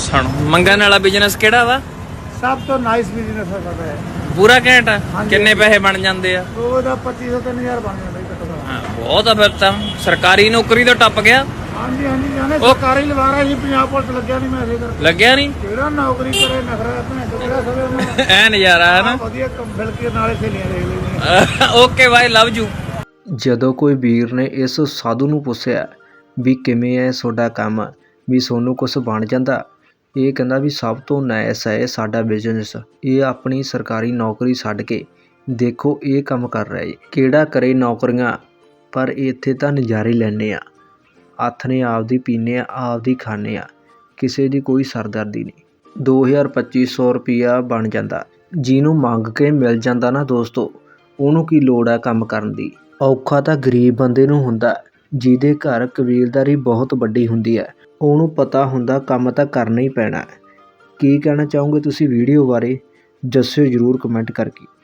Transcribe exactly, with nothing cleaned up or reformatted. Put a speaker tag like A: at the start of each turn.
A: ਸੁਣ ਮੰਗਣ ਵਾਲਾ ਬਿਜ਼ਨਸ ਕਿਹੜਾ ਵਾ?
B: ਸਭ ਤੋਂ ਨਾਈਸ ਬਿਜ਼ਨਸ ਹੈ ਸਾਡਾ ਇਹ।
A: ਪੂਰਾ ਘੈਂਟ ਆ।
B: ਹਾਂਜੀ।
A: ਕਿੰਨੇ ਪੈਸੇ ਬਣ ਜਾਂਦੇ ਆ?
B: ਉਹਦਾ ਪੱਚੀ ਸੌ ਤਿੰਨ ਹਜ਼ਾਰ ਬਣ ਜਾਂਦਾ ਜੀ ਘੱਟੋ ਘੱਟ।
A: ਹਾਂ ਬਹੁਤ ਆ ਫਿਰ ਤਾਂ। ਸਰਕਾਰੀ ਨੌਕਰੀ ਤੋਂ ਟੱਪ ਗਿਆ।
B: ਹਾਂਜੀ ਹਾਂਜੀ ਜਾਨੇ
A: ਉਹ-
B: ਸਰਕਾਰੀ ਲਵਾਰਾ ਸੀ, ਪੰਜਾਬ ਪੁਲਿਸ ਲੱਗਿਆ ਨਹੀਂ ਮੈਂ ਇਸੇ ਕਰਕੇ।
A: ਲੱਗਿਆ ਨਹੀਂ?
B: ਜਿਹੜਾ ਨੌਕਰੀ ਕਰੇ ਨਖਰਾ ਭੈਣ ਚੋ ਕਿਹੜਾ ਸਵੇ ਉਹਨੂੰ
A: ਐ ਨਜ਼ਾਰਾ ਹੈ ਨਾ।
B: ਵਧੀਆ ਕੰਮ ਮਿਲ ਕੇ ਨਾਲੇ ਸਹੇਲੀਆਂ ਦੇਖ ਲੈਂਦੀਆਂ।
A: Okay bye, love you.
C: ਜਦੋਂ ਕੋਈ ਵੀਰ ਨੇ ਇਸ ਸਾਧੂ ਨੂੰ ਪੁੱਛਿਆ ਵੀ ਕਿਵੇਂ ਹੈ ਤੁਹਾਡਾ ਕੰਮ, ਵੀ ਤੁਹਾਨੂੰ ਕੁਛ ਬਣ ਜਾਂਦਾ, ਇਹ ਕਹਿੰਦਾ ਵੀ ਸਭ ਤੋਂ ਨਾਇਸ ਹੈ ਇਹ ਸਾਡਾ ਬਿਜ਼ਨਸ। ਇਹ ਆਪਣੀ ਸਰਕਾਰੀ ਨੌਕਰੀ ਛੱਡ ਕੇ ਦੇਖੋ ਇਹ ਕੰਮ ਕਰ ਰਿਹਾ ਜੀ। ਕਿਹੜਾ ਕਰੇ ਨੌਕਰੀਆਂ, ਪਰ ਇੱਥੇ ਤਾਂ ਨਜ਼ਾਰੇ ਲੈਂਦੇ ਆ। ਹੱਥ ਨੇ ਆਪਦੀ ਪੀਂਦੇ ਆ, ਆਪਦੀ ਖਾਂਦੇ ਆ, ਕਿਸੇ ਦੀ ਕੋਈ ਸਰਦਰਦੀ ਨਹੀਂ। ਦੋ ਹਜ਼ਾਰ ਪੱਚੀ ਸੌ ਰੁਪਈਆ ਬਣ ਜਾਂਦਾ। ਜਿਹਨੂੰ ਮੰਗ ਕੇ ਮਿਲ ਜਾਂਦਾ ਨਾ ਦੋਸਤੋ, ਉਹਨੂੰ ਕੀ ਲੋੜ ਹੈ ਕੰਮ ਕਰਨ ਦੀ। ਔਖਾ ਤਾਂ ਗਰੀਬ ਬੰਦੇ ਨੂੰ ਹੁੰਦਾ ਜਿਹਦੇ ਘਰ ਕਬੀਲਦਾਰੀ ਬਹੁਤ ਵੱਡੀ ਹੁੰਦੀ ਹੈ। ਉਹਨੂੰ ਪਤਾ ਹੁੰਦਾ ਕੰਮ ਤਾਂ ਕਰਨਾ ਹੀ ਪੈਣਾ। ਕੀ ਕਹਿਣਾ ਚਾਹੋਗੇ ਤੁਸੀਂ ਵੀਡੀਓ ਬਾਰੇ, ਦੱਸਿਓ ਜ਼ਰੂਰ ਕਮੈਂਟ ਕਰਕੇ।